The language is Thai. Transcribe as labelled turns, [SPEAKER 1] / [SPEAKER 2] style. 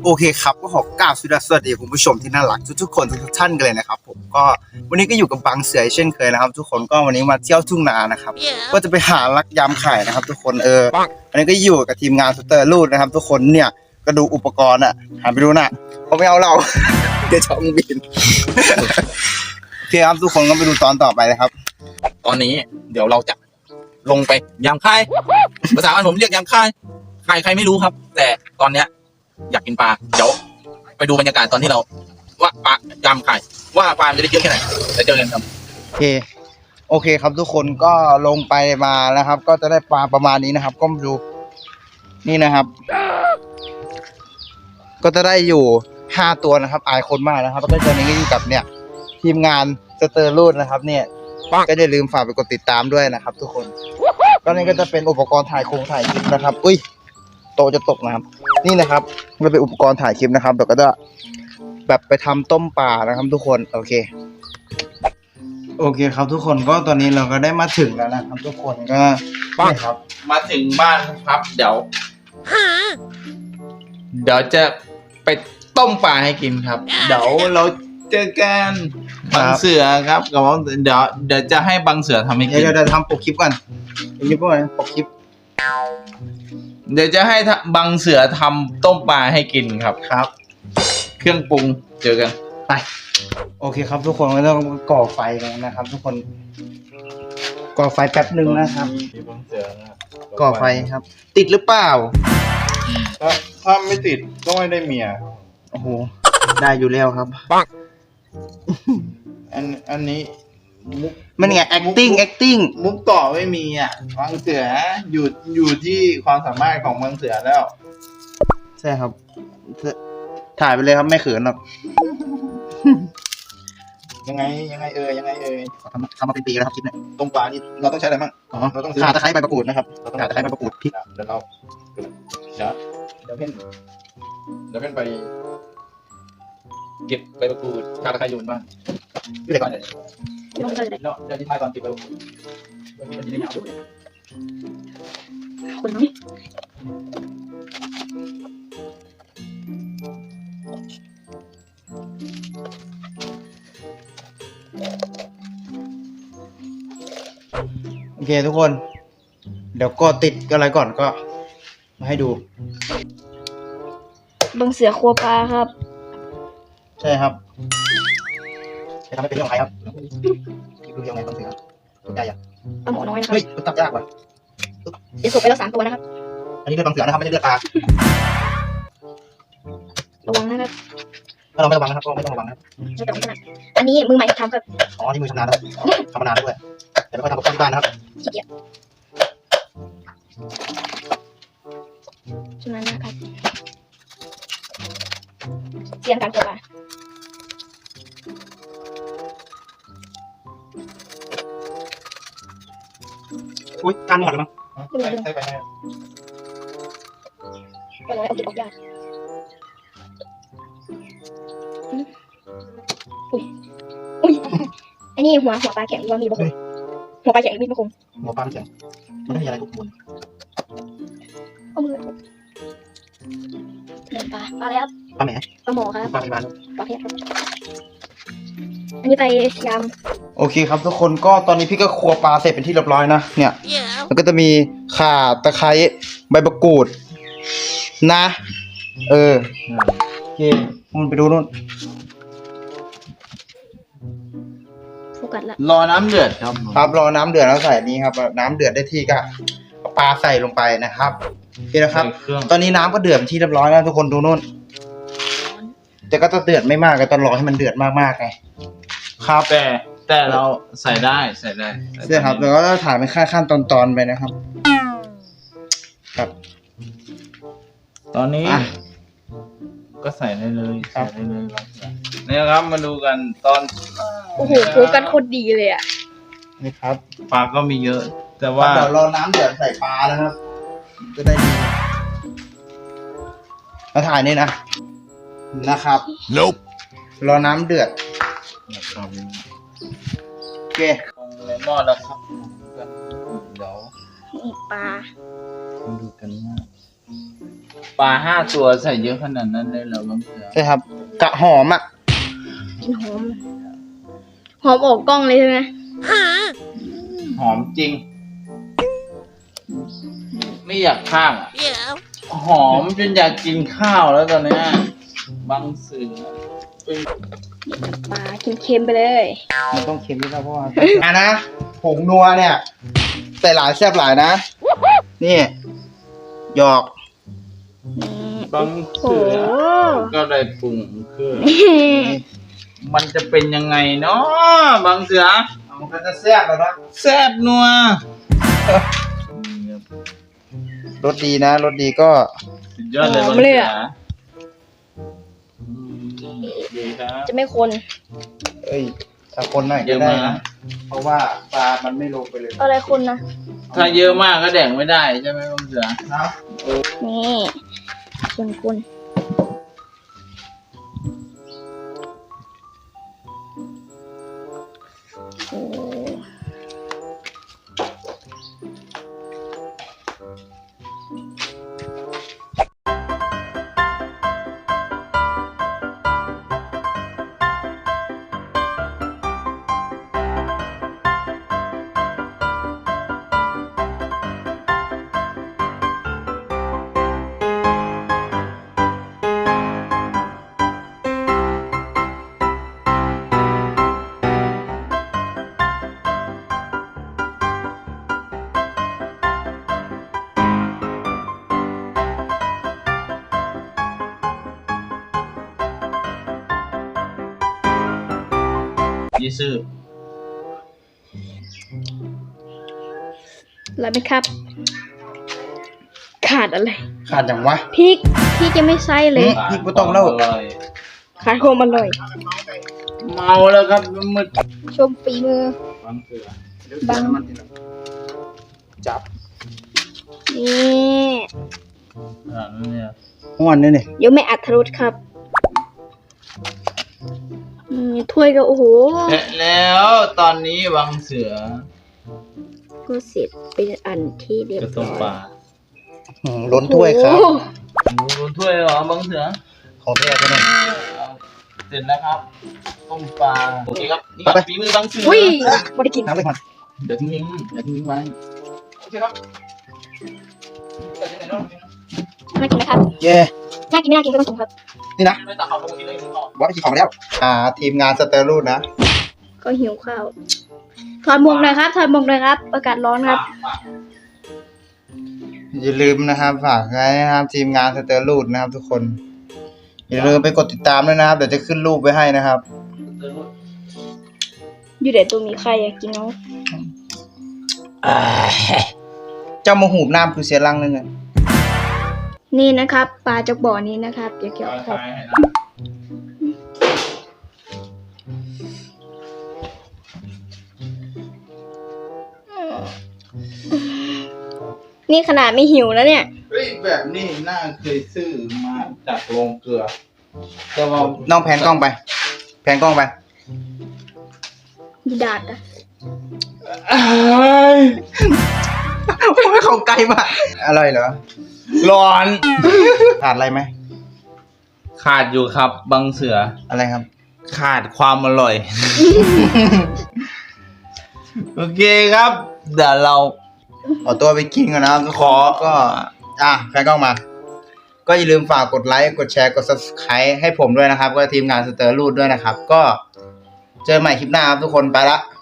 [SPEAKER 1] โอเคครับก็ขอกราบสวัสดีคุณผู้ชมที่น่ารักทุกๆคนทุกท่านกันเลยนะครับผมก็วันนี้ก็อยู่กับบางเสือเช่นเคยนะครับทุกคนก็วันนี้มาเที่ยวทุ่งนานะครับก็จะไปหาลักยามไข่นะครับทุกคนวันนี้ก็อยู่กับทีมงานสเตอร์ลูดนะครับทุกคนเนี่ยก็ดูอุปกรณ์อ่ะหันไปดูนะเขาไม่เอาเรา เดี๋ยวช่องบิน โอเคครับทุกคนก็ไปดูตอนต่อไปนะครับ
[SPEAKER 2] ตอนนี้เดี๋ยวเราจะลงไปยามค่ายภาษาบ้านผมเรียกยามค่ายใครไม่รู้ครับ แต่ตอนเนี้ยอยากกินปลาเดี๋ยวไปดูบรรยากาศตอนที่เราว่าปลายามค่ายว่าปลาจะได้เยอะแค่ไหนเดี๋ยวเจอกันครับ
[SPEAKER 1] โอเคครับทุกคนก็ลงไปมาแล้วครับก็จะได้ปลาประมาณนี้นะครับก็มาดูนี่นะครับ ก็จะได้อยู่5ตัวนะครับอายคนมากนะครับแล้วก็ตอนนี้ก็อยู่กับเนี่ยทีมงานสเตอร์ลูดนะครับเนี่ยก็อย่าลืมฝากไปกดติดตามด้วยนะครับทุกคนก็นี่ก็จะเป็นอุปกรณ์ถ่ายคลิปนะครับอุ้ยโตจะตกนะครับนี่นะครับมันเป็นอุปกรณ์ถ่ายคลิปนะครับเดี๋ยวก็จะแบบไปทำต้มปลานะครับทุกคนโอเคครับทุกคนก็ตอนนี้เราก็ได้มาถึงแล้วนะครับทุกคนก็นี่ครับ
[SPEAKER 2] มาถึงบ้านครับเดี๋ยวจะไปต้มปลาให้กินครับเดี๋ยวเราเจอกันบางเสือครับกับเดี๋ยวจะให้บางเสือทำให้กิน
[SPEAKER 1] เดี๋ยวทำปกคลิปก่อนปกคลิป
[SPEAKER 2] เดี๋ยวจะให้บางเสือทำต้มปลาให้กินครับ เครื่องปรุงเจอกัน
[SPEAKER 1] ไปโอเคครับทุกคนก็ต้องก่อไฟกันนะครับทุกคนก่อไฟแป๊บหนึ่งนะครับก่อไฟครับติดหรือเปล่า
[SPEAKER 3] ถ้าไม่ติดก็ไม่ได้เมีย
[SPEAKER 1] โอ้โหได้อยู่แล้วครับ
[SPEAKER 3] อันนี้
[SPEAKER 1] มันไง acting
[SPEAKER 3] มุกต่อไม่มีอ่ะบางเสืออยู่ที่ความสามารถของบางเสือแล้ว
[SPEAKER 1] ใช่ครับถ่ายไปเลยครับไม่เขินหรอก
[SPEAKER 3] ยังไง
[SPEAKER 1] ทำมาเป็นปีแล้วครับคลิปเนี่ย
[SPEAKER 3] ต้มปลานี่เราต้องใช้อะไรบ้าง
[SPEAKER 1] เราต้องข่าตะไคร้ใบมะกรูดนะครับข่าตะไคร้ใบมะกรูดพริก
[SPEAKER 3] เดี๋ยวเพ่นไป
[SPEAKER 2] เก็บใบมะกรูดข่าตะไคร้โยนบ้าง
[SPEAKER 1] พี่เด็กก่อน
[SPEAKER 2] เดี๋ยวที่ท้ายตอนเก็บใบมะกรูดมันจะได้ยาวด้วย
[SPEAKER 4] คุณน้อง
[SPEAKER 1] โอเคทุกคนเดี๋ยวก็ติดอะไรก่อนก็มาให้ดู
[SPEAKER 4] บางเสือครัวปลาครับ
[SPEAKER 1] ใช่ครับจะทำให้เป็นเรื่องของใครครับดูยังไงบางเสือตัวใหญ่อะ
[SPEAKER 4] ปลาหมอน้อยนะครับ
[SPEAKER 1] เฮ้ยตับยากว่ะ
[SPEAKER 4] เดี๋ยวสุกไปแล้ว3 ตัวนะครับ
[SPEAKER 1] อันนี้เลือดบางเสือนะครับไม่ใช่เลือดปลา
[SPEAKER 4] ระวังนะครับ
[SPEAKER 1] ถ้าเราไม่ระวังนะครับก็ไม่ต้องระวังนะครับ
[SPEAKER 4] ไม่ต้องขนาดอันนี้มือใหม่ทำครับ
[SPEAKER 1] อ๋อนี่มือชำนาญแล้วทำมานานด้วยแต่ไม่ค่อยทำกับข้าวที่บ้านนะครับ
[SPEAKER 4] ขี้เกียจชำนาญนะครับเสียงการครัวปลา
[SPEAKER 1] อุ้ยการหมดเลยมั้ง
[SPEAKER 3] ใช่ไปไหม
[SPEAKER 4] ก็น้อยเอาติดออกยากอุ้ยอันนี้หัวปลาแข็งว่ามีบะคมหัวปลาแข็งมีบะคม
[SPEAKER 1] หัวปลาแข็งมันไม่มีอะไรทุกคน
[SPEAKER 4] เอามือเหมือนปลาอะไรครับ
[SPEAKER 1] ปลาแหม
[SPEAKER 4] ปลาหมอครับ
[SPEAKER 1] ปลาพยาบาล
[SPEAKER 4] ปลาเพชรครับอันนี้ไปย
[SPEAKER 1] ำโอเคครับทุกคนก็ตอนนี้พี่ก็ครัวปลาเสร็จเป็นที่เรียบร้อยนะเนี่ยแล้วก็จะมีข่าตะไคร้ใบมะกรูดนะโอเคมันไปดูนู่น
[SPEAKER 4] โฟกัสละ
[SPEAKER 2] รอน้ำเดือด
[SPEAKER 1] ครับรอน้ำเดือดแล้วใส่นี้ครับน้ำเดือดได้ที่ก็เอาปลาใส่ลงไปนะครับนี่นะครับตอนนี้น้ำก็เดือดเป็นที่เรียบร้อยแล้วทุกคนดูนู่นแต่ก็จะเดือดไม่มากก็ต้องรอให้มันเดือดมากๆไง
[SPEAKER 2] ครับแต่เราใส่ได้
[SPEAKER 1] ใช่ครับแล้วก็ถ่ายเป็นขั้นตอนไปนะครับครับ
[SPEAKER 2] ตอนนี้ก็ใส่ได้เลยนี่ครับมาดูกันตอน
[SPEAKER 4] โอ้โหโฟกัสโคตรดีเลยอ่ะ
[SPEAKER 1] นี่ครับ
[SPEAKER 2] ปลาก็มีเยอะแต่ว่า
[SPEAKER 1] เดี๋ยวรอน้ำเดือดใส่ปลานะครับจะได้ดีมาถ่ายนี่นะครับรอน้ำเดือดโอเค
[SPEAKER 2] ในหม้อแล้วครับเดี๋ยว
[SPEAKER 4] นี่ปลา
[SPEAKER 2] ดูกันว่า
[SPEAKER 3] ปลา5 ตัวใส่เยอะขนาดนั้นเลยเหรอบางเสือ
[SPEAKER 1] ใช่ครับกะหอมอ่ะ
[SPEAKER 4] กินหอมหอมออกกล้องเลยใช่ไหม
[SPEAKER 3] หอมจริง ไม่อยากข้างอะหอมจนอยากกินข้าวแล้วตอนเนี้ยบางเสือ
[SPEAKER 4] ปลาเค็มๆไปเลย
[SPEAKER 1] มันต้องเค็มด้วยนะเพราะว่าอ่ะนะผงนัวเนี่ยใส่หลายแซ่บหลายนะนี่หยอก
[SPEAKER 3] บาง
[SPEAKER 4] โอ้
[SPEAKER 3] เสือก็ได้ปรุงคือมันจะเป็นยังไงเนาะบางเสือ
[SPEAKER 1] มันก็จะแซ่บแล้วนะ
[SPEAKER 3] แซ่บนัว
[SPEAKER 1] รสดีนะรสดีก็
[SPEAKER 3] สุดยอดเลยบางเสือดีครับ
[SPEAKER 4] จะไม่คน
[SPEAKER 1] เอ้ยถ้าคนหน่อยก็ได้นะเพราะว่าปลามันไม่ลงไปเลย
[SPEAKER 4] อะไรคนนะ
[SPEAKER 3] ถ้าเยอะมากก็แดกไม่ได้ใช่ไหมบางเสือ
[SPEAKER 1] นะ
[SPEAKER 4] นี่คนโอ้
[SPEAKER 3] ยี่ซื่อ
[SPEAKER 4] แล้วไหมครับ ขาดอะไร
[SPEAKER 1] ขาดอย่างวะ
[SPEAKER 4] พริกยังไม่ใส่เลย
[SPEAKER 1] พริกบ่ต้องเล่า
[SPEAKER 3] ร่อย
[SPEAKER 4] ขาดความอร่อย
[SPEAKER 3] เมาแล้วครับมืด
[SPEAKER 4] ชมฝีมือ
[SPEAKER 3] บางเสือ
[SPEAKER 4] บัง
[SPEAKER 1] จับ
[SPEAKER 4] นี่
[SPEAKER 3] เนี่ย
[SPEAKER 1] ม้วนนี่นี่
[SPEAKER 4] เดี๋ยวไม่อัดทรุดครับถ้วยก็โอ้โห
[SPEAKER 3] และแล้วตอนนี้บางเสือ
[SPEAKER 4] ก็เสร็จเป็นอันที่เรียบ
[SPEAKER 3] กระต้
[SPEAKER 4] ร้
[SPEAKER 3] ม
[SPEAKER 4] อย
[SPEAKER 3] ปลา
[SPEAKER 1] ล้นถ้วยครับ
[SPEAKER 4] โอ้โห
[SPEAKER 3] หมูถ้วยเหรอบางเสือ
[SPEAKER 1] ของแท้ก็ได้
[SPEAKER 3] เสร็จแล้วครับต้มปลาโอเคครับนี่ค
[SPEAKER 1] ไป
[SPEAKER 3] รับฝีมือบางเสือ
[SPEAKER 4] อุ้ยไม่ได้กิน
[SPEAKER 1] น้ำไปก่อน
[SPEAKER 3] เดี๋ยวทิ้งไว้โอเคครับ
[SPEAKER 4] น่ากินไหมครับ
[SPEAKER 1] เย่
[SPEAKER 4] น่ากินไม่น่ากินก็ต้องกินครับ
[SPEAKER 1] นี่นะ
[SPEAKER 3] ไม่ตัดเขาลงกินเลยทิ้งก่อน
[SPEAKER 1] ว่าไปกินของแล้ว ทีมงานสเตอร์รูดนะ
[SPEAKER 4] ก็หิวข้าวถอดหมวกหน่อยครับถอดหมวกหน่อยครับอากาศร้อนครับ
[SPEAKER 1] อย่าลืมนะครับฝากไว้นะครับทีมงานสเตอร์รูดนะครับ ทุกคน อย่าลืมไปกดติดตามด้วยนะครับเดี๋ยวจะขึ้นรูปไว้ให้นะครับ
[SPEAKER 4] อยู่เดี๋ยวตัวมีใครอยากกินเอา
[SPEAKER 1] เจ้ามาหูบน้ำคือเสียรังนึงอะ
[SPEAKER 4] นี่นะครับปลาจากบ่อนี้นะครับเดี๋ยวเกี่ยวครับ นี่ขนาดไม่หิวแล้วเนี่ย
[SPEAKER 3] เฮ้ยแบบนี้น่าเคยซื้อมาจากโรงเกลือแต่ว่า
[SPEAKER 1] น้องแพนกล้องไป แพนกล้องไป
[SPEAKER 4] ดีดาดอะ
[SPEAKER 1] ไม่เข้าใกล้มากอร่อยเหรอ
[SPEAKER 3] ร้อน
[SPEAKER 1] ขาดอะไรไหม
[SPEAKER 3] ขาดอยู่ครับบางเสือ
[SPEAKER 1] อะไรครับ
[SPEAKER 3] ขาดความอร่อย โอเคครับ เดี๋ยวเรา
[SPEAKER 1] ขอตัวไปกินก่อนนะครับทุกคนก็แฟนกล้องมา ก็อย่าลืมฝากกดไลค์กดแชร์กด subscribe ให้ผมด้วยนะครับ ก็ทีมงานสเตอร์รูดด้วยนะครับ ก็เจอใหม่คลิปหน้าครับทุกคนไปละ